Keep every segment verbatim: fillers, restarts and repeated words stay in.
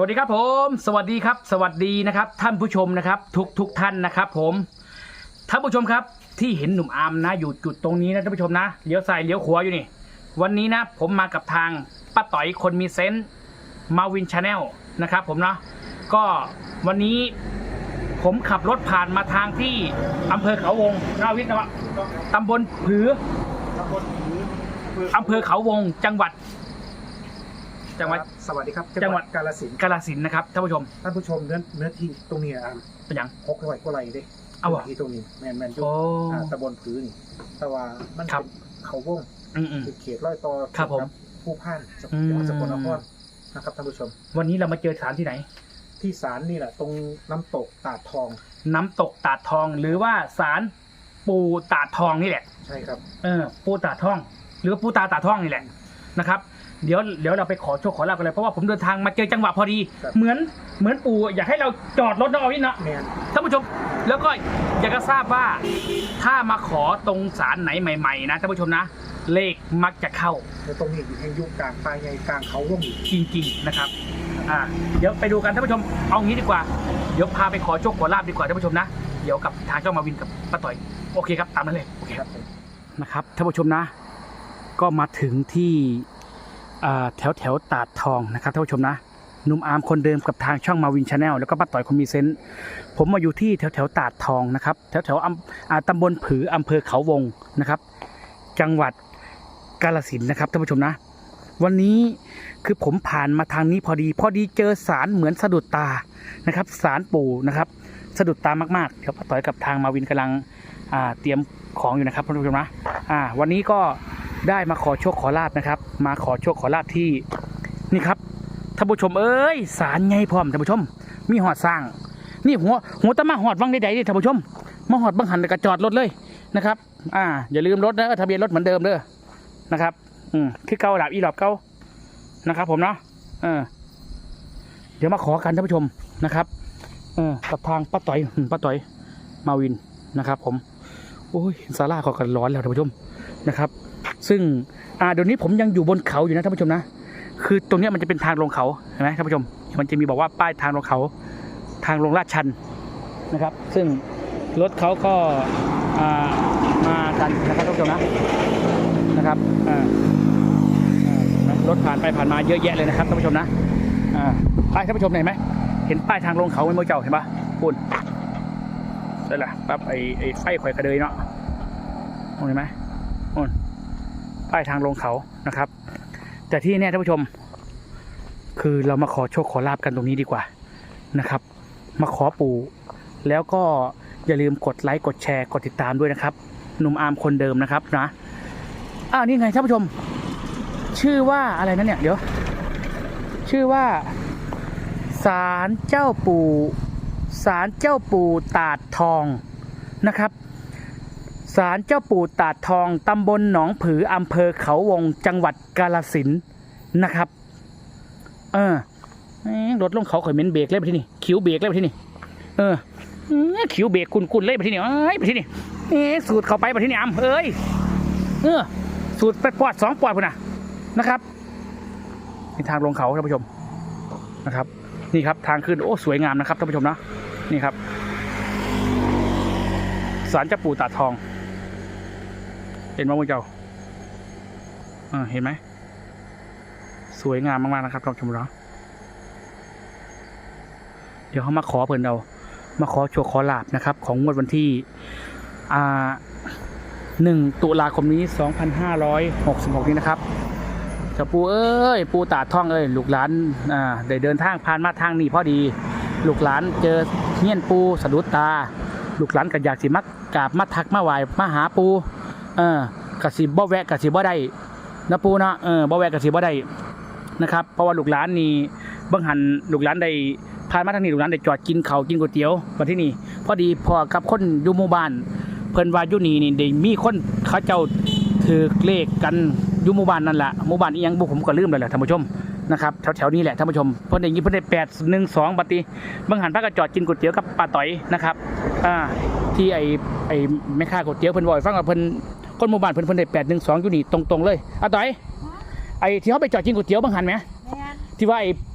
วัสดีครับผมสวัสดีครับสวัสดีนะครับท่านผู้ชมนะครับทุกทุกท่านนะครับผมท่านผู้ชมครับที่เห็นหนุ่มอาร์มนะอยู่จุดตรงนี้นะท่านผู้ชมนะเลี้ยวซ้ายเลี้ยวขวาอยู่นี่วันนี้นะผมมากับทางป้าต่อยคนมีเซนส์มาวินชาแนลนะครับผมเนาะก็วันนี้ผมขับรถผ่านมาทางที่อำเภอเขาวงนาวิทย์นะวะตำบลผือตำบลผืออำเภอเขาวงจังหวัดจังหวัดสวัสดีครับจังหวัดกาฬสินธุ์กาฬสินธุ์นะครับท่านผู้ชมท่านผู้ชมเนื้อเนื้อที่ตรงนี้อ่ะเป็นยังหกร้อยกว่าไร่เด้เอาวะที่ตรงนี้แมนแมนยุคตำบลผือนี่แต่ว่ามันเป็นเขาวงเป็นเขตร้อยต่อครับผมผู้พ่านจังหวัดสกลนครนะครับท่านผู้ชมวันนี้เรามาเจอศาลที่ไหนที่ศาลนี่แหละตรงน้ำตกตาดทองน้ำตกตาดทองหรือว่าศาลปูตาดทองนี่แหละใช่ครับเออปูตาดทองหรือปูตาตาดทองนี่แหละนะครับเดี๋ยวเดี๋ยวเราไปขอโชคขอลาบกันเลยเพราะว่าผมเดินทางมาเจอจังหวะพอดีเหมือนเหมือนปู่อยากให้เราจอดรถน้องอวินนะท่านผู้ชมแล้วก็อยากจะทราบว่าถ้ามาขอตรงศาลไหนใหม่ๆนะท่านผู้ชมนะเลขมักจะเข้าตรงนี้อยู่ในยุคกลางปลายใหญ่กลางเขาวงจริงๆนะครับอ่าเดี๋ยวไปดูกันท่านผู้ชมเอางี้ดีกว่าเดี๋ยวพาไปขอโชคขอลาบดีกว่าท่านผู้ชมนะเดี๋ยวกับทางเจ้ามาวินกับป้าต่อยโอเคครับตามนั้นเลยโอเคครับนะครับท่านผู้ชมนะก็มาถึงที่แถวแถวตาดทองนะครับท่านผู้ชมนะหนุ่มอาร์มคนเดิมกับทางช่องมาวินชาแนลแล้วก็ป้าต่อยคนมีเซนส์ผมมาอยู่ที่แถวแถวตาดทองนะครับแถวแถวตำบลผืออำเภอเขาวงนะครับจังหวัดกาฬสินธุ์นะครับท่านผู้ชมนะวันนี้คือผมผ่านมาทางนี้พอดีพอดีเจอศาลเหมือนสะดุดตานะครับศาลปู่นะครับสะดุดตามากๆเดี๋ยวป้าต่อยกับทางมาวินกำลังเตรียมของอยู่นะครับท่านผู้ชมนะวันนี้ก็ได้มาขอโชคขอลาบนะครับมาขอโชคขอลาบที่นี่ครับท่านผู้ชมเอ้ยศาลไงพร้อมท่านผู้ชมมีหอดสร้างนี่หัวหัวตะมาหอดวังใดๆดิท่านผู้ชมมาหอดบังหันกระจอดรถเลยนะครับอ่าอย่าลืมรถนะทะเบียนรถเหมือนเดิมเด้อนะครับอืมคือเก่าหลับอีหลับเก่านะครับผมเนาะเออเดี๋ยวมาขอกันท่านผู้ชมนะครับเออกับทางป้าต่อยป้าต่อยมาวินนะครับผมโอ้ยศาลาเขากันร้อนแล้วท่านผู้ชมนะครับซึ่งอ่าเดี๋ยวนี้ผมยังอยู่บนเขาอยู่นะท่านผู้ชมนะคือตรงนี้มันจะเป็นทางลงเขาเห็นไหมท่านผู้ชมมันจะมีบอกว่าป้ายทางลงเขาทางลงลาดชันนะครับซึ่งรถเขาก็อ่ามากันนะครับท่านผู้ชมนะนะครับอ่ารถผ่านไปผ่านมาเยอะแยะเลยนะครับท่านผู้ชมนะอ่าป้ายท่านผู้ชมเห็นไหมเห็นป้ายทางลงเขาไม่โมเจ้าเห็นปะพูดใช่ละปั๊บไอไอไฟข่อยกระเดยเนาะเห็นไหมนู่นป้ายทางลงเขานะครับแต่ที่นี่ท่านผู้ชมคือเรามาขอโชคขอลาบกันตรงนี้ดีกว่านะครับมาขอปู่แล้วก็อย่าลืมกดไลค์กดแชร์กดติดตามด้วยนะครับหนุ่มอาร์มคนเดิมนะครับนะอ้าวนี่ไงท่านผู้ชมชื่อว่าอะไรนั่นเนี่ยเดี๋ยวชื่อว่าศาลเจ้าปู่ศาลเจ้าปู่ตาดทองนะครับศาลเจ้าปู่ตาดทองตำบลหนองผืออำเภอเขาวงจังหวัดกาฬสินธุ์นะครับเออรถลงเขาข่อยเม้นเบรกเลยไปที่นี่คิวเบรกเลยไปที่นี่เออคิวเบรกกุนๆเลยไปที่นี่เอ้ยไปที่นี่เอ๊สูตรเข้าไปไปที่นี่อ่ำเอ้ยเออสูตรไปปอดสองปอดพุ่นนะนะครับนี่ทางลงเขาท่านผู้ชมนะครับนี่ครับทางขึ้นโอ้สวยงามนะครับท่านผู้ชมนะนี่ครับศาลเจ้าปู่ตาดทองเห็นไหมพวกเจ้าเออเห็นไหมสวยงามมากๆนะครับท่านผู้ชมเนาะเดี๋ยวเขามาขอเพิ่นเอามาขอโชคขอลาบนะครับของงวดวันที่อ่าหนึ่งตุลาคมนี้สองพันห้าร้อยหกสิบหกนี้นะครับเจ้าปู่เอ้ยปู่ตาดทองเอ้ยลูกหลานอ่าได้เดินทางผ่านมาทางนี้พอดีลูกหลานเจอเฮี้ยนปู่สะดุดตาลูกหลานก็อยากสิมักกราบมาทักมาไหว้มาหาปู่เออกะสิบ่แวะกะสิบ่ได้นะปู่เนาะเออบ่แวะกะสิบ่ได้นะครับเพราะว่าลูกหลานนี่บังหันลูกหลานได้ผ่านมาทางนี้ลูกหลานได้จอดกินข้าวกินก๋วยเตี๋ยวมาที่นี่พอดีพอกับคนอยู่หมู่บ้านเพิ่นว่าอยู่นี่นี่ได้มีคนเขาเจ้าถือเลขกันอยู่หมู่บ้านนั่นแหละหมู่บ้านอีหยังบุผมก็ลืมเลยแหละท่านผู้ชมนะครับแถวๆนี้แหละท่านผู้ชมเพิ่นได้ยินเพิ่นได้แปดหนึ่งสองบัดนี้บังหันพาก็จอดกินก๋วยเตี๋ยวกับป้าต่อยนะครับอ่าที่ไอไอแม่ค้าก๋วยเตี๋ยวเพิ่นบ่อยฟังว่าเพิ่นคนหมู่บ้านเพิ่นเพิ่นได้แปดหนึ่งสองอยู่นี่ตรงๆเลยอาต่อยไอที่เขาไปจอดกินก๋วยเตี๋ยวบังหันไหมที่ว่าไอ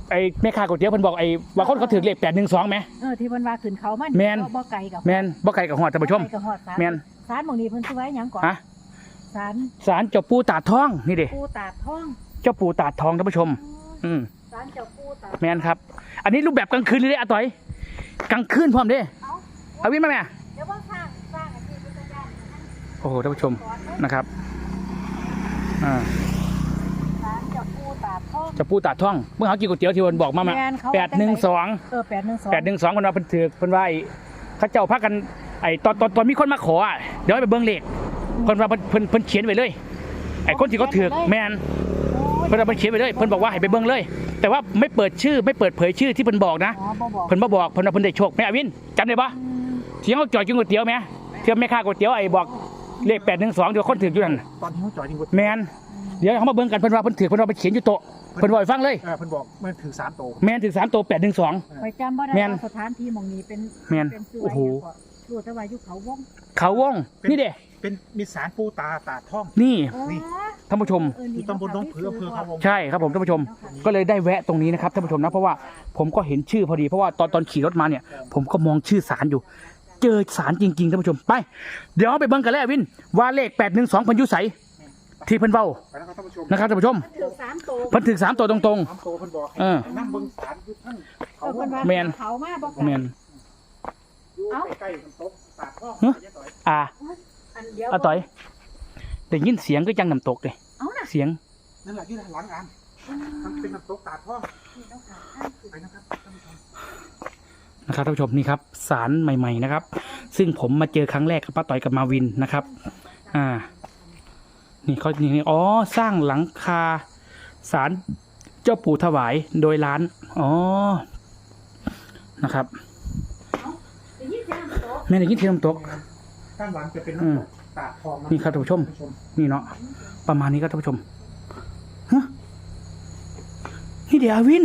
ไอ้แม่ค้าก๋วยเตี๋ยวเพิ่นบอกไอ้ว่าคนเขาถือเลขแปดหนึ่งสองไหมเออที่เพิ่นว่าขึ้นเขามันแม่นบ่ไกลกับแมนบ่ไกลกับหอดท่านผู้ชมบ่ไกลกับฮอดศาลแม่นศาลหม่องนี้เพิ่นสิไว้หยังก่อนฮะศาลศาลเจ้าปู่ตาดทองนี่เด้ปู่ตาดทองเจ้าปู่ตาดทองท่านผู้ชม อืมศาลเจ้าปู่ตาดแมนครับ อันนี้รูปแบบกลางคืนเลยเด้อาต่อยกลางคืนพร้อมเด้เอ้าเอาวินมาแม่เดี๋ยวว่าสร้างสร้างอาชีพพุทธญาณนั่นโอ้โหท่านผู้ชมนะครับอ่าศาลเจ้าปู่ตาดทองเจ้าปู่ตาดทองเมื่อเขากินก๋วยเตี๋ยวที่วันบอกมามาแม่นเขาแปดหนึ่งสองเออแปดหนึ่งสองแปดหนึ่งสองคนว่าเพิ่นถือเพิ่นว่าไอ้เขาเจ้าพักกันไอ้ตอนตอนตอนมีคนมาขออ่ะเดี๋ยวให้ไปเบิ่งเลขเพิ่นว่าเพิ่นเพิ่นเพิ่นเขียนไว้เลยไอ้คนที่เขาถือแมน เพิ่นเอาไปเขียนไปเลยเพิ่นบอกว่าให้ไปเบิ่งเลย แต่ว่าไม่เปิดชื่อไม่เปิดเผยชื่อที่เพิ่นบอกนะอ๋อบ่บอกเพิ่นมาบอกเพิ่นว่าเพิ่นได้โชคแม่อวินจำได้ปะอืมที่เขาจอดกินก๋วยเตี๋ยวไหมเที่ยวแม่ค้าก๋วยเตี๋ยวไอ้บอกเลขแปดหนึ่งสองเดี๋ยวคนถืออยู่นั่นตอนที่เขาจ่อยจริงแมนเดี๋ยวเขามาเบิ่งกันเพิ่นว่าเพิ่นถือเพิ่นว่าไปเขียนอยู่โต๊ะเพิ่นบอกให้ฟังเลยเออเพิ่นบอกมันถือสามโตแมนถือสามตัวแปดหนึ่งสองไปจำบ่ได้แม่นว่าสถานที่หม่องนี้เป็นแม่นเป็นสื่อโอ้โหไว้หยังก่อนรู้แต่ว่าอยู่เขาวงเขาวงนี่เด้เป็นมีสารปูตาตาดท่องนี่อ๋อท่านผู้ชมเอออยู่ตำบลหน้องผืออำเภอเขาวงใช่ครับผมท่านผู้ชม ก็เลยได้แวะตรงนี้นะครับท่านผู้ชมนะเพราะว่าผมก็เห็นชื่อพอดีเพราะว่าตอนตอนขี่รถมาเนี่ย ผมก็มองชื่อสารอยู่ เจอสารจริงๆท่านผู้ชมไป เดี๋ยวเอาไปเบิ่งกันแล้ววินว่าเลขแปดหนึ่งสองพันยุใสที่เพิ่นเบ้าไปแล้วครับท่านผู้ชมนะครับท่านผู้ชมมันถือสามตัวเพิ่นถึงสามตัวตรงสามโตเพิ่นบอกให้เออนั่งเบิ่งสารอยู่ทั้งเอเขาอวเพิ่งนว่าแม่นเขามาบ่ๆแมนอยู่ใกล้ๆน้ำตกตาดท่องฮะยายต่อยอ่าอันเดียวอาต่อยได้ยินเสียงก็จังน้ำตกเลยเอาน่ะเสียงนั่นแหละอยู่ด้านหลังอ่ะมันเป็นน้ำตกตาดท่องนี่ต้องหาทางขึ้นไปนะครับท่านผู้ชมนะครับท่านผู้ชมนี่ครับสารใหม่ๆนะครับ ซึ่งผมมาเจอครั้งแรกกับป้าต่อยกับมาวินนะครับ อ่า นี่เขานี่อ๋อสร้างหลังคาสารเจ้าปู่ถวายโดยร้านอ๋อนะครับได้ยินเสียงน้ำตกแม่ได้ยินเสียงน้ำตกด้านหลังจะเป็นอืมน้ำตกตาดทองะนี่ครับท่านผู้ชม นี่เนาะประมาณนี้ครับท่านผู้ชมฮะนี่เดี๋ยวอาวิน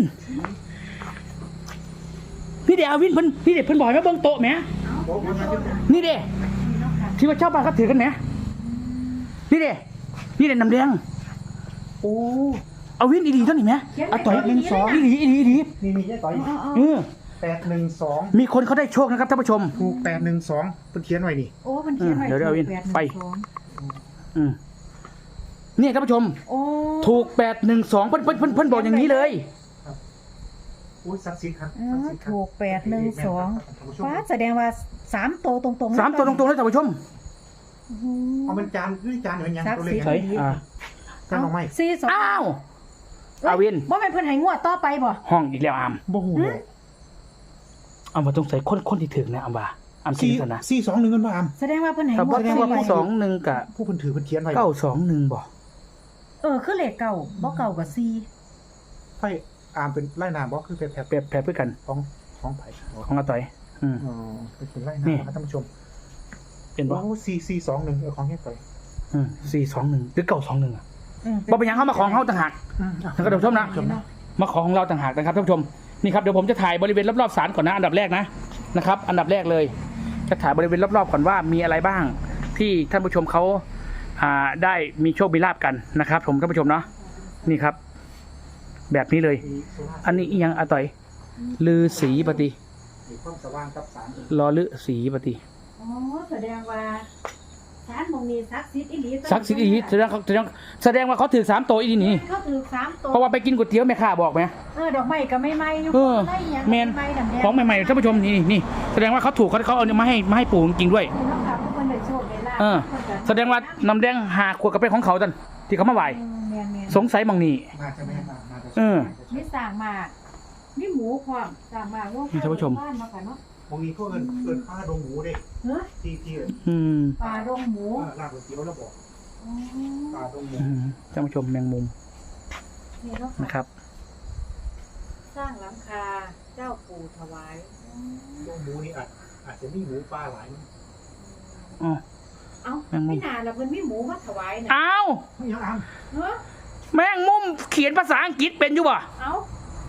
นี่เดี๋ยวอาวินเพิ่นนี่เดี๋ยวเพิ่นบอกให้มาเบิ่งโต๊ะแหมโอ้โหมันเป็นนี่เด้นี่เนาะค่ะที่ว่าชาวบ้านเขาถือกันแหมนี่เด้นี่เด้น้ำแดงโอ้เอาวินอีดีเท่านี้แหมเอาต่อยหนึ่งสองอีดีอีดีอีดีนี่มียายต่อยเอาเอาเออแปดหนึ่งสองมีคนเขาได้โชคนะครับท่านผู้ชมถูกแปดหนึ่งสองเพิ่นเขียนไว้นี่โอ้มันเขียนไว้เดี๋ยวเดี๋ยววินแปดหงไปสองอืมเนี่ยท่านผู้ชมโอ้ถูกแปดหนึ่งสองเพิ่นเพิ่นเพิ่นเพิ่นบอกอย่างนี้เลยอุ้ยสักสิครับเอศักอดิ์สิทธิ์ครับถูกแปดหนึ่งสองท่านผู้ชมฟ้าแสดงว่าสามโตวตรงๆสามตัวตรงๆเลยท่านผู้ชมโอ้โหเอาเป็นจานด้วยจานเหมือนยังศักดิ์ตัวเลสิขทธิ์เฮ้ยอ่าจานออกไหมสี่สองอ้าวเอ้ยอาวินว่าเป็นเพิ่นให้งวดต่อไปบ่ห้องอีกแล้วอามบ่หูเลยเอามาตรงใส่คนคนที่ถึงนะอามว่าอามคิดสี่กันนะสี่สองหนึ่งกันมาอามแสดงว่าเพิ่นให้แต่งวว่าดแสดงว่าต่อไปสองหนึ่งกับผู้เพิ่นถือเพิ่นเขียนไว้เก้าสองหนึ่งบ่เออคือเลขเก่าบ่เก่ากับสี่ไฟอามเป็นไล่นามบ่คือเป็นแถบแปรแปรเพื่อกันของของไผ่ของอาต่อย อืมอ๋อเป็นไล่นี่นามครับท่านผู้ชมเป็นบ่โอ้สี่สี่สองหนึ่งเออของแค่ไฟอืมสี่สองหนึ่งหรือเก้าสองหนึ่งอ่ะอืมบ่เป็นหยังเข้ามาของเขาต่างหากอืมอ่ะท่านผู้ชมนะ มาของของเราต่างหากนะครับท่านผู้ชมนี่ครับเดี๋ยวผมจะถ่ายบริเวณรอบๆศาลก่อนนะอันดับแรกนะนะครับ อันดับแรกเลย จะถ่ายบริเวณรอบๆก่อนว่ามีอะไรบ้าง ที่ท่านผู้ชมเขาอ่าได้มีโชคมีลาภกันนะครับ ผมท่านผู้ชมเนาะนี่ครับ แบบนี้เลยมีโซล่าร์อันนี้อีหยังอาต่อยลือสีปฏิมีความสว่างกับสารรอลือสีปฏิอ๋อแสดงว่าศาลหมองนี้ศักดิ์สิทธิ์อีหลีซักดิ์สิทธิ์อีแสดงเขาแสดงแสดงว่าเขาถือสามตัวอีนี่เขาถือสามตัวเพราะว่าไปกินก๋วยเตี๋ยวแม่ค้าบอกไหมเออดอกไม้ก็ไม่ไหม้อยู่เออได้หยังแมนไม้ดำแดงของใหม่ๆท่านผู้ชมนี่นี่แสดงว่าเขาถูกเขาเขาเอามาให้มาให้ปู่จริงๆด้วยนี่เนาะค่ะผู้คนได้โชคได้ลาภเออพิ่นก็แสดงว่าน้ำแดงหาขวดกาแฟของเขาตันที่เขามาไหวเออแม่นแม่นสงสัยมองนี่น่าจะไม่มาน่าจะเออมีสร้างมามีหมูพร้อมสร้างมาว่านี่ท่านผู้ชมบ้านเนาะค่ะเนาะพวกนี้พวกเอิญเอิญป้าดงหมูเด้เฮ้อที่ที่เอิ้นอืมปลาดงหมูเออลาบก๋วยเตี๋ยวแล้วบอกอ๋อป้าดงหมูอืมท่านผู้ชมแมงมุมนี่เนาะนะคค่ะรับสร้างหลังคาเจ้าปู่ถวายดงหมูนี่อาจอาจจะมีหมูปลาหลายมั้งอ๋อเอ้าแมงมุมไม่นานแล้วเพิ่นมีหมูมาถวายน่ะอ้าวไม่ยังอามเฮ้อแมงมุมเขียนภาษาอังกฤษเป็นอยู่บ่เอ้า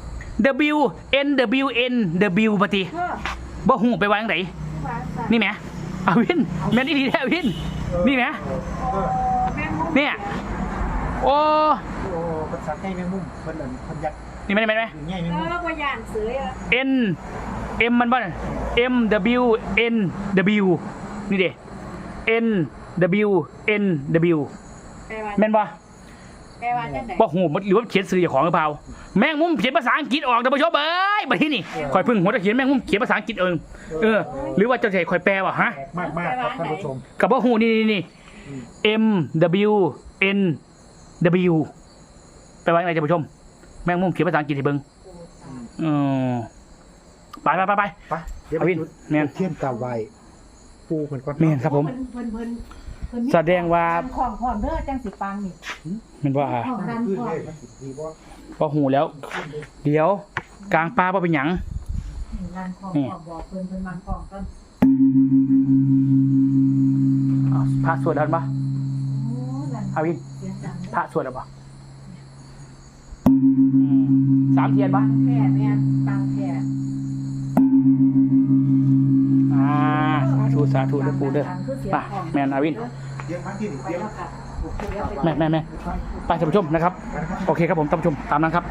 W N W N W ปฏิเฮ้อบ่หูไปวางไหนวางซะนี่แหมอาวินแม่นอีดีแท้วิน นี่ไหมเออแม่งมุมเนี่ย โอ้โอ้ภาษาใกล้แมงมุมเพิ่นเอิ้นเพิ่นยัดนี่ไหมไหมไหมง่ายไหมเออว่าย่านเสืออะ N M มันบ้าน M W N W นี่เด้ N W N W แปลว่าแม่นบ่แปลว่าจังได๋บ่หูหรือว่าเขียนสื่อของหรือเปล่าแม่งมุมเขียนภาษาอังกฤษออกท่านผู้ชมเอ้ยบัดนี้นี่คอยพึ่งหัวตะเขียนแม่งมุมเขียนภาษาอังกฤษเองเออหรือว่าเจ้าใจคอยแปลว่ะฮะมากมากครับท่านผู้ชมกับบ่หูนี่นี่นี่ M W N W แปลว่าอะไรท่านผู้ชมแม่งมุมเขียนภาษาอังกฤษให้เบิ่งอือไปไปไปไปไปเดี๋ยวอวินแม่นเทียนกาไวปูเหมือนกันแม่นครับผมเพิ่นเพิ่นเพิ่นเพิ่นมีแสดงว่าการของพร้อมเด้อจังสิปังนี่แม่นว่าของดันขึ้นพร้อเลมยมันสิดีว่าบ่หูแล้ว เดี๋ยวกลางป่าบ่เป็นหยังดันของพร้อมบอกเพิ่นเพิ่นมันของกันอ้าวพระสวดแล้วปะโอ้ดันอาวินเสียงดังพระสวดแล้วปะสามเทียนปะปังแท้แม่นปังแท้อ่าสาธุสาธุเด้อปู่เด้อดังคือเสียงไปของแม่นอาวินเดี๋ยวพักที่นี่ไปเดี๋ยวแล้วค่ะเดี๋ยวไปแม่แม่แม่ไปท่านผู้ชมนะครับ โอเคครับผมท่านผู้ชมตามนั้นครับ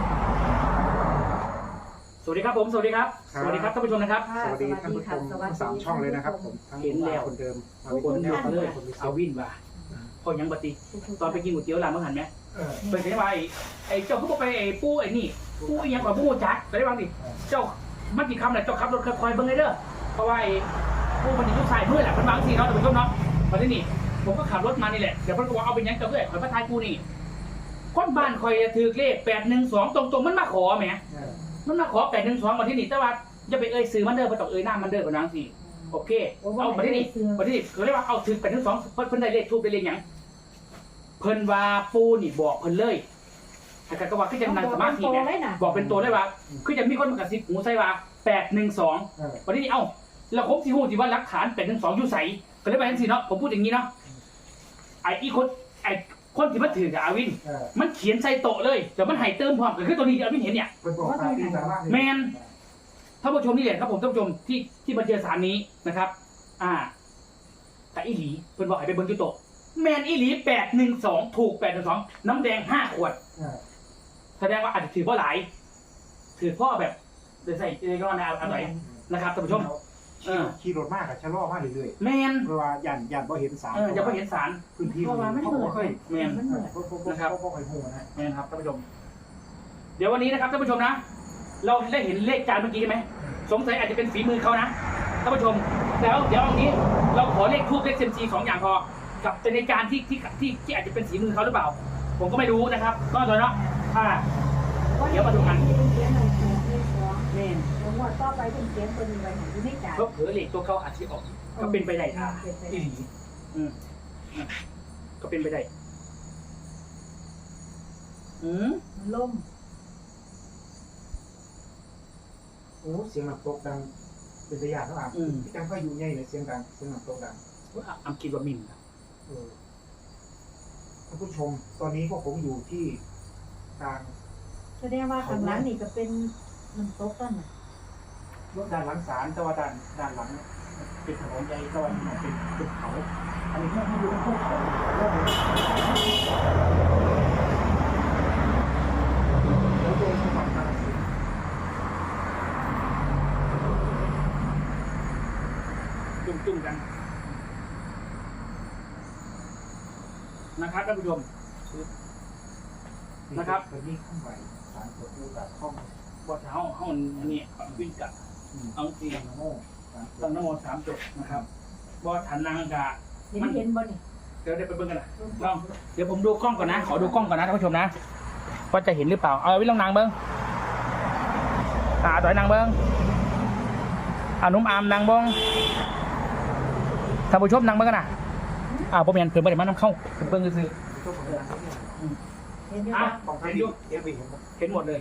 สวัสดีครับผมสวัสดีครับ สวัสดีครับท่านผู้ชมนะครับค่ะสวัสดีท่านผู้ชมทั้งสามช่องเลยนะครับผมทั้งเห็นแล้วคนเดิมคนเดียวกันเลยคนพิเศอาษวินว่ะพอยังปฏิตอนไปกินก๋วยเตี๋ยวร้านเมื่อหันไหมเออเป็นไงว่าไอ้ไอ้เจ้าเขาบอกไปไอ้ปู้ไอ้นี่ปู้ไอ้ยังกว่าปู้จักไปได้บ้างดิเจ้ามันกี่คำแหละเจ้าขับรถคอยๆเบิ่งเลยเด้อเพราะว่าไอ้ปู้มันอยู่ทุกสายมือแหละมันบางทีเนาะท่านผู้ชมเนาะมาที่นี่ผมก็ขับรถมานี่แหละเดี๋ยวเพิ่นก็บอกเอาไปยังเจ้าเพื่อนคอยพระทายกูนี่คนบ้านคอยถือเลขแปดหนึ่งสองตรงๆมันมาขอแหมเออมันมาขอแปดหนึ่งสองมาที่นี่แต่ว่าจะไปเอ่ยซื้อมันเด้อบ่ต้องเอ่ยหน้ามันเด้อกับนางสิโอเคเอามาที่นี่มาที่นี่เขาเรียกว่าเอาถือแปดหนึ่งสองเพิ่นได้เลขทูบได้เลขหยังเพิ่นว่าปูนี่บอกเพิ่นเลยถ้าเกิดก็ว่าคือจังนั่งสมาธิเนี่ยบอกเป็นตัวได้ว่าคือจะมีคนมากระซิบหูใส่ว่าแปดหนึ่งสองเออวันนี้เอ้าแล้วผมสิฮู้สิว่าหลักฐานแปดหนึ่งสองอยู่ไสก็เลยไปจังซี่เนาะผมพูดอย่างนี้เนาะไอ้อีคนไอ้คนที่มันถือกับอาวินเออมันเขียนใส่โต๊ะเลยแต่มันให้เติมพร้อมก็คือตัวนี้ที่อาวินเห็นเนี่ยเป็นบอกตามที่สามารถแมน ท่านผู้ชมนี่แหละครับผมท่านผู้ชมที่ที่มาเจอสารนี้นะครับ อ่าแต่อีหลีเพิ่นบอกให้ไปเบิ่งจุโตะแมนอีหลีแปดหนึ่งสองถูกแปดหนึ่งสองน้ำแดงห้าขวดเออแสดงว่าอาจจะถือพ่อหลาย ถือพ่อแบบเดี๋ยวใส่เรื่องนะอะไรนะครับท่านผู้ชม เออขี่รถมากอะชะลอมากเรื่อยแมนๆเพราะว่าย่านย่านบ่เห็นสารเอออย่าไปเห็นสารพื้นที่เพราะว่ามันเขาเหมืบ่อนเคยแมนมันเหมือนบ่บ่บ่นะครับบ่เคยหูนะแมนครับท่านผู้ชม เดี๋ยววันนี้นะครับท่านผู้ชมนะ เราได้เห็นเลขจานเมื่อกี้ใช่ไหมสงสัยอาจจะเป็นฝีมือเขานะท่านผู้ชมแล้วเดี๋ยวเอางี้เราขอเลขทูบเลขเซมซีสองอย่างพอกับเป็นในการที่ที่ที่ที่อาจจะเป็นฝีมือเขาหรือเปล่า ผมก็ไม่รู้นะครับก็เลยเนาะอ่า เดี๋ยวมาดูกันเสียงหนึ่งเสียงหนึ่งสองแมนผมว่าต่อไปเป็นเสียงตัวนี้ไปไหนอยู่ในใจเพราะเผลอเลขตัวเขาอาจจะออก ก็เป็นไปได้อ่าอีหลีอืมอืมก็เป็นไปได้อืมมันล่มโอ้เสียงน้ำตกดังเป็นระยะเท่าไหร่อืมพี่จังก็อยู่ใหญ่เลยเสียงดังเสียงน้ำตกดังว่าอัมคิดว่ามินนะเออท่านผู้ชม ตอนนี้พวกผมอยู่ที่กลางแสดงว่าข้างหลังนี่ก็เป็นน้ำตกต้นน่ะรถด้านหลังศาลแต่ว่าด้านด้านหลังเป็นถนนใหญ่แต่ว่าเป็นเป็นเขา อันนี้ไม่รู้เป็นภูเขาแล้วโดยจังหวัดกาฬสินธุ์จุ่มจุ่มๆกันนะครับท่านผู้ชม นะครับเป็นนี่ข้างไหวสารตัวผู้ตัดข้องว่าเท้าห้องอันนี้วิ่งกับอืมเอาจริงโม่สารตัวตั้งนโมสามจบนะครับว่าฐานนางกะเห็นเห็นบ่นี่เดี๋ยวเดี๋ยวไปเบิ่งกันนะลองเดี๋ยวผมดูกล้องก่อนนะ ขอดูกล้องก่อนนะท่านผู้ชมนะว่าจะเห็นหรือเปล่า เอาไว้ลองนางเบิ้งอ่าต่อยนางเบิ้งอานุ่มอามนางเบิ้งท่านผู้ชมนางเบิ้งกันนะอ่าผมเห็นเพิ่มไปเดี๋ยวมันน้ำเข้าเพิ่มเบิ้งซื้อตัวผมเนี่ยเห็นอยู่อ่ะบ่ของท่านเห็นอยู่เอฟวีเห็นไหมเห็นหมดเลย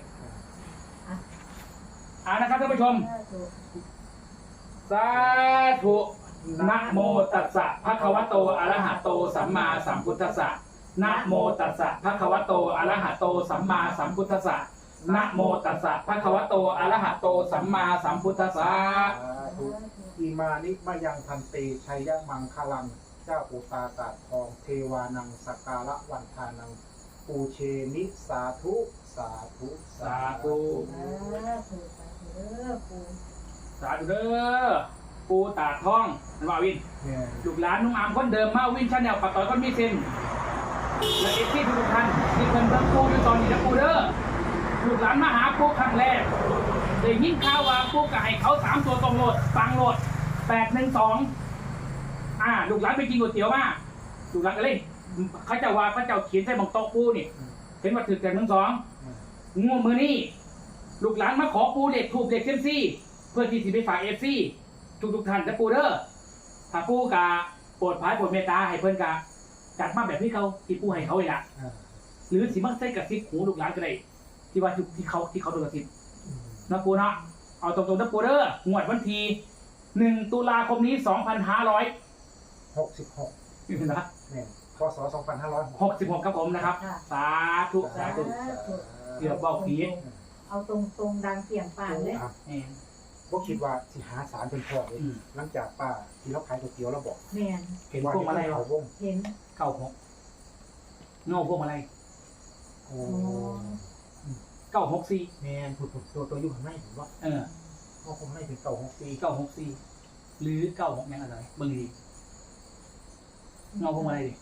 อ่านะครับท่านผู้ชม สาธุนะโมตัสสะภะคะวะโตอะระหะโตสัมมาสัมพุทธัสสะนะโมตัสสะภะคะวะโตอะระหะโตสัมมาสัมพุทธัสสะนะโมตัสสะภะคะวะโตอะระหะโตสัมมาสัมพุทธัสสะสาธุอีมานิมายังพันเตชัยมังคลัง เจ้าอุตาตาทอง เทวานังสกการะวันทานังปูเชนิสาธุสาธุสาธุสาธุสาธุเด้อปู่สาธุเด้อปูตาทองนั่นว่าวินเนี่ยลูกหลานนุ่งอามคนเดิมมาวินชาแนลปัดต่อยคนมีเซนและเอฟซีทุกท่านที่เพิ่นเบิ่งปูอยู่ตอนนี้นะปูเด้อลูกหลานมาหาปูครั้งแรกได้ยินข่าวว่าปูก็ให้เขาสามตัวตรงโหลดฟังโหลดแปดหนึ่งสองอ่าลูกหลานไปกินก๋วยเตี๋ยวมาลูกหลานก็เลยเขาเจะว่าเขาเจ้าเขียนใส่หมองโต๊ะปูนี่เห็นว่าถึงแต่หนึ่งสองงูมือนี่ลูกหลานมาขอปูเด็กถูกเด็กเซมซี่เพื่อที่จะไปฝากเอฟซีทุกทุกๆท่านนะปูเด้อถ้าปูกะโปรดพายโปรดเมตตาให้เพิ่นกะจัดมาแบบที่เขาที่ปูให้เขาเลยล่ะอ่าหรือสิมักใส่กระซิบหูลูกหลานก็ได้ที่ว่าที่เขาที่เขาโดนกระซิบนะปูเนาะเอาตรงๆนะปูเด้องวดวันที่หนึ่งตุลาคมนี้สองพันห้าร้อยหกสิบหกนะเนี่ยพศสองพันห้าร้อยหกสิบหกครับผมนะครับสาธุสาธุเกือบเบาผีเอาตรงตรงดังเสียงป่านเลยแม่นก็คิดว่าสิหาสารเป็นพ่อเลยอืมหลังจากป้าที่เราขายก๋วยเตี๋ยวเราบอกแมนเห็นว่าพวกอะไรเขาวงเห็นเก้าหกเงาพวกอะไรโอ้เก้าหกสี่แมนผุดผุดตัวตัวอยู่ข้างในผมว่าเออเขาคงไม่เป็นเก่าหกปีเก้าหกสี่หรือเก้าหกแม่งอะไรเบิ่งดีเงาพวกอะไรดิ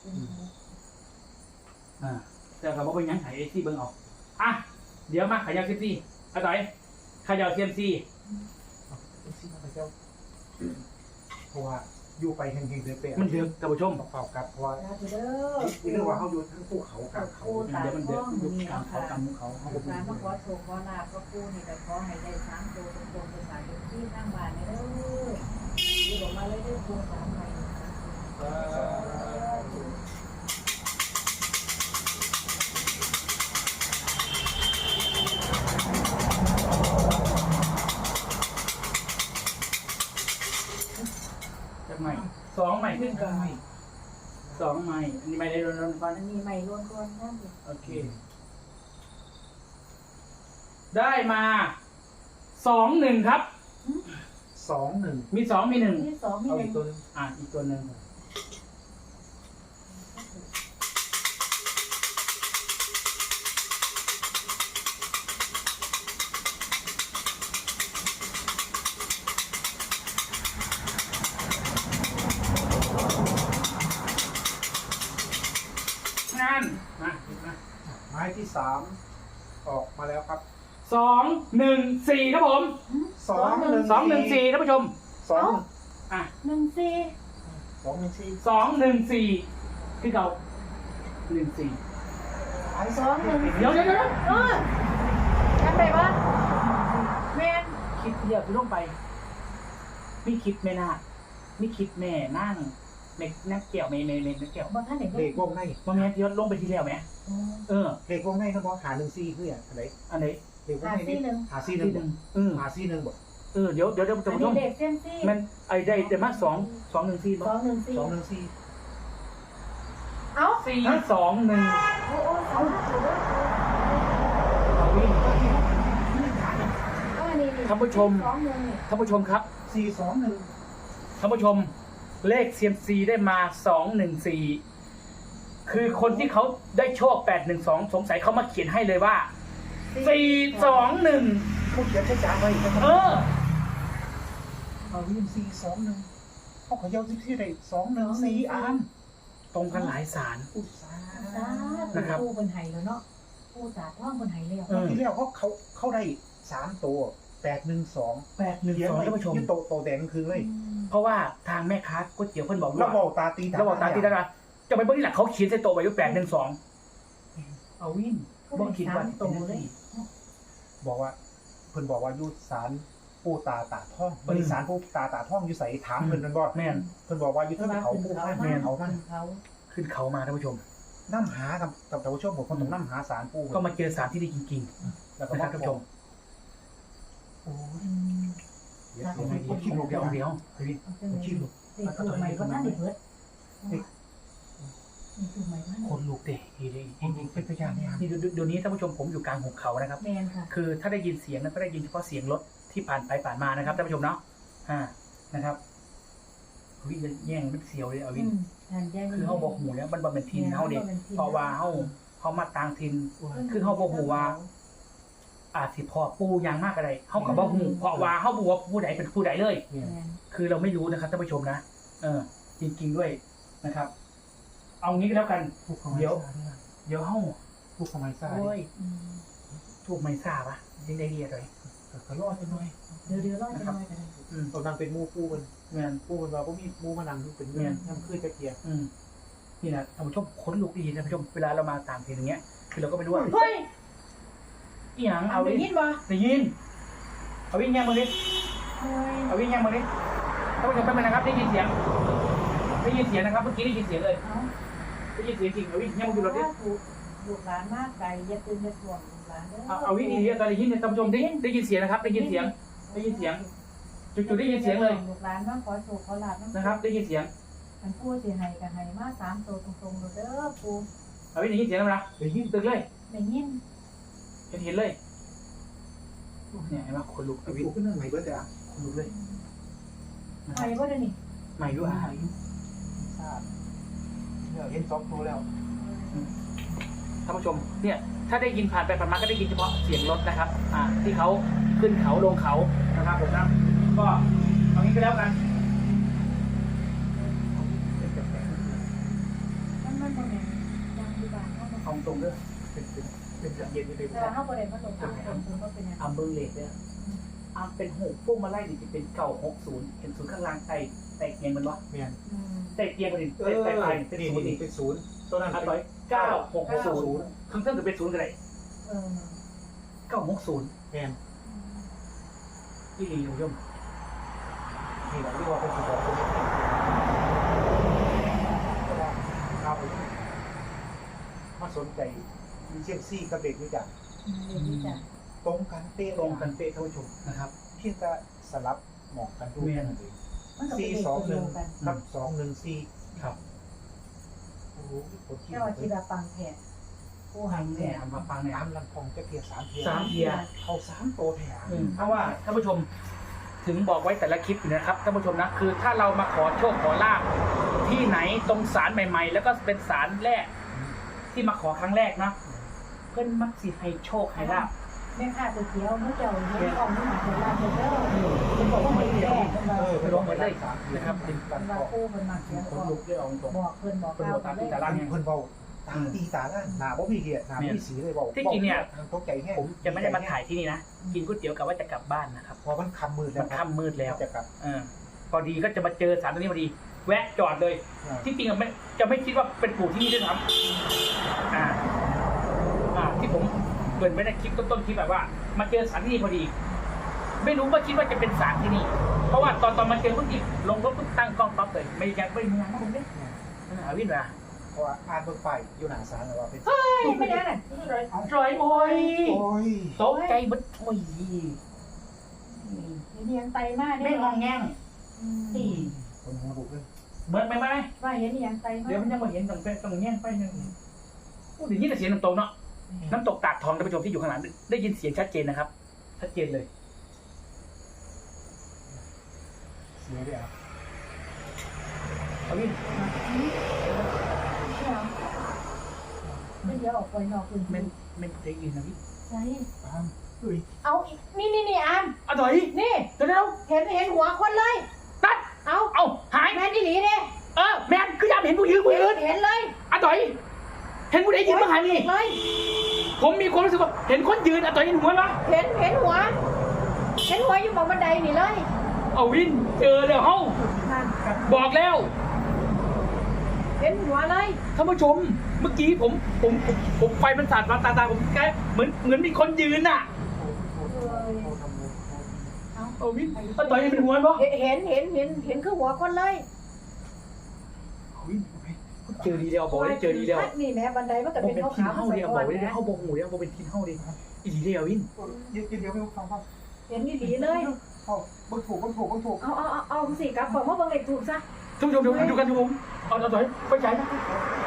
อ่าแต่เราบอกว่ายังไงไอ้ที่เบิ่งเอาอ่ะเดี๋ยวมาขยับเซียมซีอาต่อยขยับเซียมซีเอาสิมาไปเจ้าเพราะว่าอยู่ไปแห่งๆเลยเปะมันเดือดท่านผู้ชมเปล่ากับเพราะว่าสาธุเด้อเรื่องว่าเขาอยู่ทั้งภูเขากลางเขาเดี๋ยวมันเดือดยุบกลางเขากลางเขาลูกหลานมาขอโชคขอลาภก็ปู่นี่ก็ขอให้ได้สามตัวตรงๆภาษาที่ข้างบ้านเด้ออยู่ออกมาเลยเด้อปู่สามใบจากใหม่สองใหม่ขึ้นกันสองใหม่อันนี้ไม่ได้โดนฟันอันนี้ใหม่ล้วนก่อนนั่นสิโอเค ได้มาสองหนึ่งครับสองหนึ่งมีสองมีหนึ่งที่สองมีเอาหอีนึ่กงตัวหนึงอ่ะอีกตัวหนึ่งนั่นมามาไม้ที่สามออกมาแล้วครับสองหนึ่งสี่ครับผมสองหนึ่งสองหนึ่งสี่ท่านผู้ชมสองอ่ะหนึ่งสี่สองหนึ่งสี่สองหนึ่งสี่ที่เราหนึ่งสี่สองหนึ่งเดี๋ยวเดี๋ยวเดี๋ยวเออจำได้ปะแมนคิดเดียวคือลงไปมีคิดแม่นาคมีคิดแม่นั่งในนักเกี่ยวเมย์เมย์เมย์นักเกี่ยวบางท่านเห็นเลขวงในว่าแม่ที่ลงไปทีแล้วไหมเออเลขวงในเขาบอกหาหนึ่งสี่คืออะไรอันไหนเลขวงหาในซี่หนึ่งหาสี่หนึ่งบ่เออหาสี่หนึ่งบ่เออเดี๋ยวเดี๋ยวเดี๋ยวอัท่านนผู้ชนี้มเด็กเส้นซี่มันไอ้ได้แต่มาสองสองหนึ่งสี่สองหนึ่งสี่สองหนึ่งสี่เอ้าสี่สองหนึ่งโอ้โอ้สองถูกด้วยวิ่งเออนี่นี่ท่านผู้ชมสองหนึ่งนี่ท่านผู้ชมครับสี่สองหนึ่งท่านผู้ชมเลขเซียมซีได้มาสองหนึ่งสี่คือคนที่เขาได้โชคแปดหนึ่งสองสงสัยเขามาเขียนให้เลยว่าสี่สองหนึ่งเขาเขียนใช้จ่ายไว้เออเอาวิ่งสี่สองหนึ่งเขาขยาวที่ที่ใดสองหนึ่งสี่อันตรงกันหลายสารอุตสาสาห์ธุนะครับผู้บนไห้แล้วเนาะผู้ตาท่องบนไห้แล้วเออที่แล้วเขาเขาเขาได้สามตัวแปดหนึ่งสองแปดหนึ่งเขียนสองไว้ท่านผู้ชมที่โตโตแดงคือเลยเพราะว่าทางแม่ค้าก๋วยเตี๋ยวเพิ่นบอกเราว่าบอกตาตีเราบอกตามที่ได้ละจะไปเบิ้งที่หลักเขาเขียนใส่โต๊ะไว้ว่าแปดหนึ่งสองเอาวินบอกคิดว่าตรงเลยบอกว่าเพิ่นบอกว่ายุสารปูตาตาท่องบริสารปูตาตาท่องอยู่ใส่ถามเพิ่นนั่นบ่แม่นเพิ่นบอกว่าอยู่เทั้งเขาปูท่าแม่นเขาท่านเขาขึ้นเขามาท่านผู้ชมน้ำหากับกับท่านผู้ชมผมคนต้องน้ำหาสารปูก็มาเจอสารที่ดีจริงแล้วๆก็นะคมารับท่านผู้ชมโอ้ยอืมเดี๋ยวเดี๋ยวเดี๋ยวเดี๋ยวคิดลูกเดี๋เดียยว วเดี๋ยวเฮ้ยเอาจังเลยคิดลูกเด็กถูกไหมก็ท่านเด็กเบิดนี่ถูกไหมท่านคนลูกเด็กดีเลยจริงๆเป็นพยานเนี่ยนี่เดี๋ยวเดี๋ยวนี้ท่านผู้ชมผมอยู่กลางหุบเขานะครับแมนค่ะคือถ้าได้ยินเสียงนั้นก็ได้ยินเฉพาะเสียงรถที่ผ่านไปผ่านมานะครับท่านผู้ชมเนาะอ่านะครับวิจะแย่งมันเสียวเลยเอาวิอืนมทานแย่คือเขาบอกหูแล้วมันบำเป็นทีนเขาเด็กเพราะว่าเขาเขามาต่างถิ่นคือเขาบอกหูว่า อาจสิพอปูยางมากอะไรเขากับบอกหูเพราะว่าเขาบอกว่าผู้ใดเป็นผู้ใดเลยเนี่ยคือเราไม่รู้นะครับท่านผู้ชมนะเออจริงๆด้วยนะครับ เอางี้ก็แล้วกันผูกขมายเดี๋ยวซ่าเนี่ยเดี๋ยวเฮ้าผูกขมายซ่าโอ้ยอืมถูกไม่ทราบอะยังได้เรียดเลยก็รอดไปหน่อยเดี๋ยวเดี๋ยวรอจะน้อยกันอืมตอนนั้นเป็นหมู่ปูมันเงินปูมันว่าบ่มีหมู่มานั่งอยู่เป็นเงี้ยน้ำขึ้นตะเกียบอืมนี่นะท่านผู้ชมขนลุกดีนะท่านผู้ชมเวลาเรามาต่างถิ่นอย่างเงี้ย คือเราก็ไม่รู้ว่าเฮ้ยอีหยังเอาเอาได้วิ่งยินบ่ได้ยินเอาวิ่งแง่มือดิเฮ้ยเอาวิ่งแง่มือดิท่านผู้ชมแป๊บนึงนะครับได้ยินเสียงได้ยินเสียงนะครับเมื่อกี้ได้ยินเสียงเลยเอาได้ยินเสียงจริงเอาวิ่งแง่มือดูรถดิถูกลูกหลานมากไกลอย่าตื่นอย่าถ่วงลูกหลานเด้อเอาเอาวิ่งดีๆตอนได้ยินเนี่ยท่านผู้ชมได้ยินได้ยินเสียงนะครับได้ยินเสียงได้ยินเสียงจุดๆได้ยินเสียงเลยลูกหลานมาขอโชคขอลาบนะครับได้ยินเสียงมันพูดสิให้กันให้มาสามตัวตรงๆเด้อปูเอาวิ่งได้ยินเสียงแล้วนะได้ยินตึกเลยได้ยินเห็นเห็นเลยเนี่ยเห็นไหมคนลุกเอาวิวขึ้นเรื่องใหม่เบิดเลยอ่ะคนลุกเลยไปบ่ได้นี่ใหม่ด้วยอ่ะทราบเนี่ยเห็นสองตัวแล้วท่านผู้ชมเนี่ยถ้าได้ยินผ่านไปผ่านมาก็ได้ยินเฉพาะเสียงรถนะครับ อ่า ที่เขาขึ้นเขาลงเขานะครับผมนะก็เอางี้ก็แล้วกันมันมันบ่แม่นยังอยู่บ้านเฮาบ่เอาตรงเด้อเป็นเป็นเป็นจะเย็นอยู่ในแต่ว่าเฮาบ่ได้มาลงทางคนคือบ่เป็นหยังอัมเบอร์เลดเนี่ยอัมเป็นหกพวกมาไล่ดิจะเป็นเก่าหกศูนย์เห็นศูนย์ข้างล่างไต่ไต่เตียงมันวะเมียนอืมไต่เตียงมันดิเอไต่อไต่ไปเป็นนี่ศูนย์นี่ดิเป็นศูนย์ตัวนั้นอันเป็นต่อยเก้าหกศูนย์ข้างเส้นจะเป็นศูนย์กันไหนเออเก้าหกศูนย์เมียนที่ดีคุณผู้ชมนี่แหละที่ว่าเป็นสุดยอดเลยเอาไปมาสนใจมีเซียมซี่กับเด็กนี่จ้ะอืมเดี๋ยวนี้จ้ะตรงกันเป๊ะตรงกันเป๊ะท่านผู้ชมนะครับเพียงแต่สลับหมอกกันดูเมียนนั่นเองมันก็เป็นสี่เลขสองตัวหเดีนึ่ยงวกันกับสองหนึ่งสี่ครับโอ้โหคนที่แค่ว่าคิดว่าปังแท้ผู้หันทำแท้เนี่ยทำมาฟังเนี่ยตามลำพองจะเพียสามเพียสามเทียร์เขาสามโตแถมอืมเพราะว่าท่านผู้ชมถึงบอกไว้แต่ละคลิปอยู่นะครับท่านผู้ชมนะคือถ้าเรามาขอโชคขอลาบที่ไหนตรงศาลใหม่ ๆ แล้วก็เป็นศาลแรกที่มาขอครั้งแรกนะเพื่อนมักสิให้โชคให้ลาบแม่ค้าก๋วยเตี๋ยวเมื่อเจ้าเห็นกล่องนี่หาเวลาเด้อเป็นบอกว่าไม่แก้เพิ่นว่าเออไปลงไปเลยนะครับเป็นเพิ่กันนว่าบอกผู้เพิ่นมักเขียนคนลุกได้เอาตรงบอกเพิ่นบอกเพิ่นกล่าบวอกตามเลที่ยตารางเนี่ยเพิ่นเบาตาตีตาล่างหนาบ่มีเหี้ยหนาบ่มีสีเลยเบาที่จริงเนี่ยตกใจแห้งผมจะไม่ได้มาถ่ายที่นี่นะกินก๋วยเตี๋ยวกับว่าจะกลับบ้านนะครับพอมันคำมืดแล้มัวนค่ำมืดแล้วจะกลับเออพอดีก็จะมาเจอศาลตรงนี้พอดี แวะจอดเลย ที่จริงอะไม่จะไม่คิดว่าเป็นปู่ที่นี่ด้วยซ้ำอ่า อ่า ที่ผมเปิดไปในคลิปต้นๆคลิปแบบว่า มาเจอศาลที่นี่พอดี ไม่รู้ว่าคิดว่าจะเป็นศาลที่นี่ เพราะว่าตอนตอนมาเจอปุ๊บดิลงรถปุ๊บตั้งกล้องปั๊บเลยไม่ยังไม่มีงานนะผมเนี่ยหาวินมาเพราะว่าอ่านเบิ่งไปอยู่หน้าศาลแล้วว่าเป็นเฮ้ยไม่ได้น่ะจอยโอ้ยโอ้ยตกใจบัดโอ้ยเห็นยังไตมาไม่งองแงงอืมนี่คนหัวบุกเลยเหมือนไหมไหมว่าเห็นยังไตมาเดี๋ยวมันยังมาเห็นตรงเป็นตรงแง่งไปหนึ่งโอ้เดี๋ยวนี้แต่เสียงน้ำตกเนาะ น้ำตกตาดทองท่านผู้ชมที่อยู่ข้างหลังได้ยินเสียงชัดเจนนะครับ ชัดเจนเลยเสียเลยอ่ะเอาวินไม่เดี๋ยวออกไปนอกพื้นเมที่นเมนได้ยินนะวินใช่ตามเฮ้ยเอานี่นี่นี่อามอะถอยนี่เดี๋ยวเดี๋ยวเห็นเห็นหัวคนเลยตัดเอาเอาหายแม่นอี่หลีเด้เออแมนคือยามเห็นผู้ยืนผู้ยืนเห็นเลยอะถอย เห็นผู้ใดยืนบ้างหานี่เลยผมมีความรู้สึกว่าเห็นคนยืนอะถอยเห็นหัวปะเห็นเห็นหัว เห็นหัวอยู่บนบันไดนี่เลยเอาวินเจอแล้วเฮ้านั่นบอกแล้วเห็นหัวเลยท่านผู้ชม เมื่อกี้ผมผมผมผมไฟมันสาดมาตาตาผมแกเหมือนเหมือนมีคนยืนน่ะเอาเอาวินอะถอยเห็นเป็นหัวปะเห็นเห็นเห็นเห็นเห็นคือหัวคนเลยเอาวินเจอดีแล้วบอกได้เจอดีแล้วนี่แม่บันไดมันก็บอเป็นเป็นทีมขาวๆเฮ้าใส่เดียวก้บออน กได้นะเฮ้าบอกหูเดียวบอกเป็นทีมเฮ้าเดียวอีดีเดียววินยืนยืนเดี๋ยวไม่ฟังฟังเห็นนี่หลีเลยเอาเบิ่งถูกเบิ่งถูกเบิ่งถูกเอาเอาเอาเอาสิกลับบอกว่าเบิ่งเลขถูกซะท่านผู้ชมเดี๋ยวดูกันทุกผมเอาเอาถอยไปใจนะ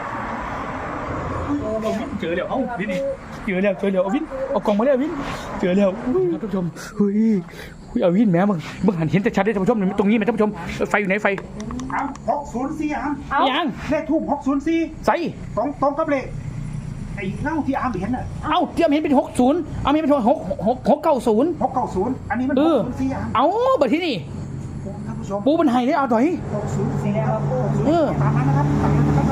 เอาวินเจอแล้วเอ้าวินเจอแล้วเจอแล้วเอาวินเอากล่องมาแล้ววินเจอแล้วอุ้ยท่านผู้ชมเฮ้ยอุ้ยเอาวินแม่มึงมึงหันเห็นแต่ชัดได้ท่านผู้ชมตรงนี้ไหมท่านผู้ชมไฟอยู่ไหนไฟอามหกศูนย์สี่อามเอายังเลขทูบหกศูนย์สี่ใส่ตรงตรงกับเลขไอ้เล่าที่อาร์มเห็นน่ะเอ้าเทียมเห็นเป็นหกศูนย์เอาไม่เป็นหกหกหกเก้าศูนย์หกเก้าศูนย์อันนี้มันเอหอกศูนย์สี่อาร์มเอาบัดที่นี่ท่านผู้ชมปูมันไห้ได้เอาต่อยหกศูนย์สี่ครับเออตามนั้นนะครับตามนั้นนะครับ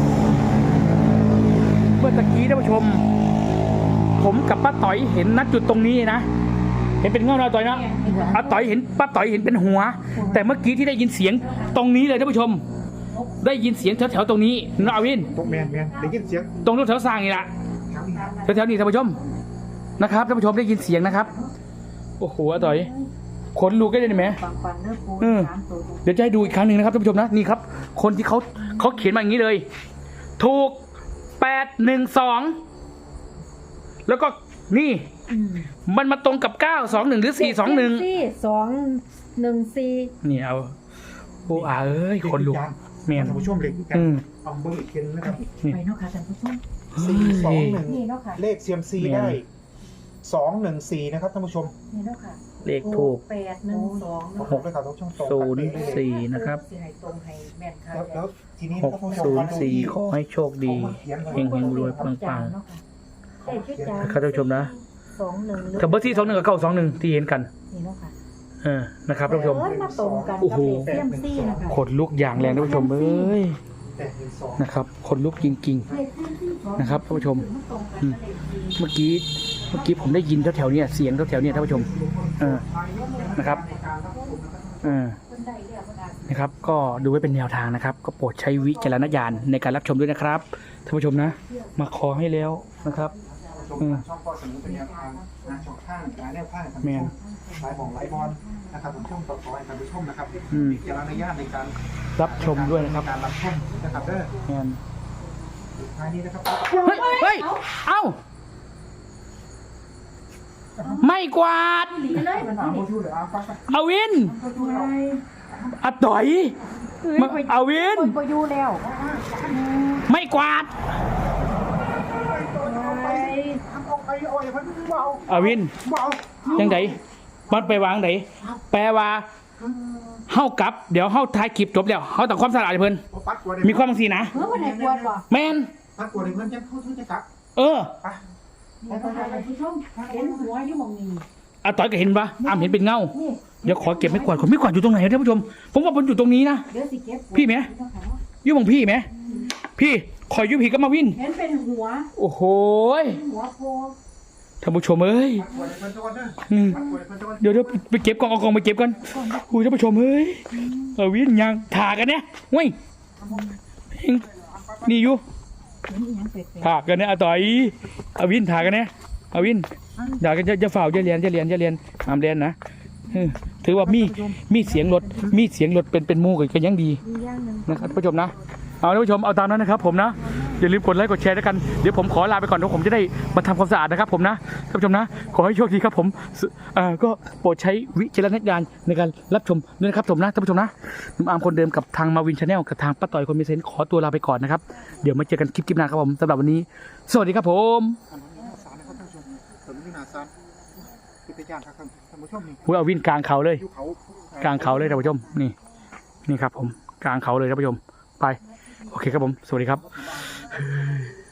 เมื่อตะกี้ท่านผู้ชม ผมกับป้าต่อยเห็นณจุดตรงนี้นะเห็นเป็นเงาเราต่อยนะอาต่อยเห็นป้าต่อยเห็นเป็นหัว แต่เมื่อกี้ที่ได้ยินเสียงตรงนี้เลยท่านผู้ชม ได้ยินเสียงแถวๆตรงนี้นะอาวินตกแมนแมนได้ยินเสียงตรงรถแถวสร้างนี่แหละแถวๆนี้ท่านผู้ชมนะครับท่านผู้ชมได้ยินเสียงนะครับโอ้โหอาต่อยขนลุกได้เลยไหมปังปังเนื้อปูเออสามตัวเดี๋ยวจะให้ดูอีกครั้งหนึ่งนะครับท่านผู้ชมนะนี่ครับ คนที่เขาเขาเขียนมาอย่างนี้เลย ถูกแปดหนึ่งสองแล้วก็นี่อืมมันมาตรงกับเก้าสองหนึ่งหรือสี่สองหนึ่งสี่สองหนึ่งสี่นี่เอาโอ้อาเอ้ยคนลุกเมียนท่านผู้ชมเลยกันอืมเอาเบอร์อีกทีนึงนะครับนี่ไปเนาะค่ะท่านผู้ชมสี่สองหนึ่งนี่เนาะค่ะเลขเซียมซีแม่นได้สองหนึ่งสี่นะครับท่านผู้ชมนี่เนาะค่ะเลขถูกแปดหนึ่งสองหกเลยครับท่านผู้ชมตรงศูกันนย์เป๊ะเลยสี่นะครับสิให้ตรงให้แม่นค่ะแล้วแล้วทีนี้หกท่านผู้ชมศูนมาย์ดูสี่ที่ขอให้โชคดี เฮงเฮงรวยปังปังเนาะค่ะได้ชื่อจานนะครับท่านผู้ชมนะสองหนึ่งหรือกับเบอร์ที่สองหนึ่งกับเก้าสองหนึ่งที่เห็นกันนี่เนาะค่ะเออนะครับท่านผู้ชมเอิ้นมาตรงกันโอ้กับโหเลขเซียมซี่นะคะขนลุกอย่างแรงท่านผู้ชมเอ้ยแปดหนึ่งสองนะครับขนลุกจริงเลขเซียมซี่ของนะครับท่านผู้ชมมันตรงกันอืมกับเลขสี่ๆ เมื่อกี้เมื่อกี้ผมได้ยินแถวๆเนี่ยเสียงแถวๆเนี่ยท่านผู้ชมเออนะครับเออเพิ่นได้เรียกว่าได้นะครับ ก็ดูไว้เป็นแนวทางนะครับ ก็โปรดใช้วิจารณญาณในการรับชมด้วยนะครับท่านผู้ชมนะ มาขอให้แล้วนะครับชมอืมช่องก็เสนอเป็นแนวทางนะช่องข้างนะแนวข้างท่านแมผู้ชนมหลายของหลายบอลนะครับผมช่องต่อๆให้ท่านผู้ชมนะครับอืมวิจารณญาณในการรับชมด้วยนะครับในการรับชมนะครับเด้อแมนท้ายนี้นะครับเฮ้ยเฮ้ยเอ้าไม่กวาดหลีเลยมันอ่าที่โมนี่ชูเลยอ่าฟังไปเอาวินอะต่อยมาเอาวินคนบ่อยู่แล้วไม่กวาดไปเอาไปเอาไอ้เพิ่นเบาเอาวินเบายังไงมันไปวางไหนแปลว่าเฮากลับ เดี๋ยวเฮาถ่ายคลิปจบแล้วเฮาต้องความสะอาดให้เพิ่นปัดกลัวได้มีความบางสีนะเมื่อวันไหนกวนบ่แมนปัดกลัวได้เพิ่นจะพูดจะกลับเออไปแล้วก็ท่านผู้ชมเห็นหัวอยู่หม่องนี้อะต่อยก็เห็นปะอ้ามเห็นเป็นเงานี่เดี๋ยวขอเก็บไม่กวาดผมไม่กวาดอยู่ตรงไหนท่านผู้ชม ผมว่าผมอยู่ตรงนี้นะเดี๋ยวสิเก็บพี่ไหม อยู่บังพี่ไหมพี่คอยอยุพี่ก็มาวินเห็นเป็นหัวโอ้โหยหัวโพท่านผู้ชมเอ้ยปัดกลัวได้เพิ่นจะก่อนเด้ออืมปัดกลัวได้เพิ่นจะก่อนเดี๋ยวเดี๋ยวไปเก็บกล่องเอากล่องไปเก็บกันคุยท่านผู้ชมเอ้ยเอาวินยังถ่ากันเนี่ยเว้ยนี่อยู่เห็นอีหยังแปลกถ่ากันเนี่ยอะต่อยเอาวินถ่ากันเนี่ยเอาวินอย่ากันจะจะฝ่าจะเรียนจะเรียนจะเรียนห้ามเรียนนะเออถือว่ามีมีเสียงรถมีเสียงรถเป็นเป็นหมูกันยังดีๆมีอย่างหนึงนะครับท่านผู้ชมนะเอาท่านผู้ชมเอาตามนั้นนะครับผมนะอย่าลืมกดไลค์กดแชร์ด้วยกันเดี๋ยวผมขอลาไปก่อนเดี๋ยวผมจะได้มาทำความสะอาดนะครับผมนะท่านผู้ชมนะขอให้โชคดีครับผมสเอ่อก็โปรดใช้วิจารณญาณในการรับชมด้วยนะครับผมนะท่านผู้ชมนะผมอาร์มคนเดิมกับทางมาวินชาแนลกับทางป้าต่อยคนมีเซนส์ขอตัวลาไปก่อนนะครับเดี๋ยวมาเจอกันคลิปคลิปหน้าครับผมสำหรับวันนี้ สวัสดีครับผมอันนี้หน้าศาลนะครับท่านผู้ชมผมนี่หน้าศาลพิทยานครับท่านผู้ชมนี่พูดเอาวินกลางเขาเลยอยู่เขากลางเขาเลยท่านผู้ชมนี่นี่ครับผมกลางเขาเลยท่านผู้ชมไปโอเคครับผมสวัสดีครับ